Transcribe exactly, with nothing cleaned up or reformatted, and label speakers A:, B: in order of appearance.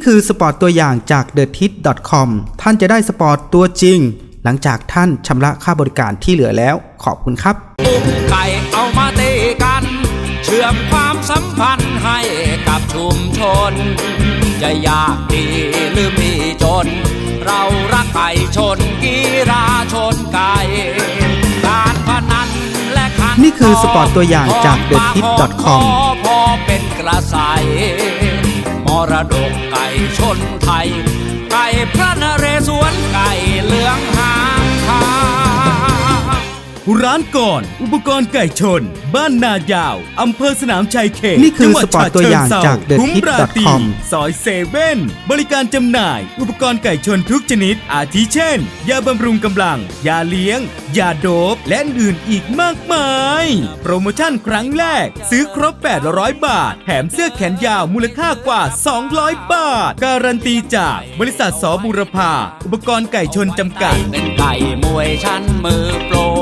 A: คือสปอร์ตตัวอย่างจาก เดอะ ทิส ดอท คอม ท่านจะได้สปอร์ตตัวจริงหลังจากท่านชำระค่าบริการที่เหลือแล้วขอบคุณครับ
B: อุ้มไก่เอามาตีกันเชื่อมความสัมพันธ์ให้กับชุมชนจะยากดีหรือมีจนเรารักไก่ชนกีฬาชนไก่การพนันและขัน
A: นี่คือสปอร์ตตัวอย่างจาก เดอะ ทิส ดอท คอม
B: พอเป็นกระใสมรดกไก่ชนไทยไก่พระนเรศวรไก่เหลืองหางขาว
C: ร้านก่อนอุปกรณ์ไก่ชนบ้านนายาวอำเภอสนามชัยเขต
A: นี่คือสปอร์ตตัวอย่างจาก เดอะ ทิส ดอท คอม
C: ซอยเซเว่นบริการจำหน่ายอุปกรณ์ไก่ชนทุกชนิดอาทิเช่นยาบำรุงกำลังยาเลี้ยงยาโดบและอื่นอีกมากมายโปรโมชั่นครั้งแรกซื้อครบแปดร้อยบาทแถมเสื้อแขนยาวมูลค่ากว่าสองร้อยบาทการันตีจากบริษัทสบุรพาอุปกรณ์ไก่ชนจำกัด
B: เป็นไก่มวยชั้นมือโปร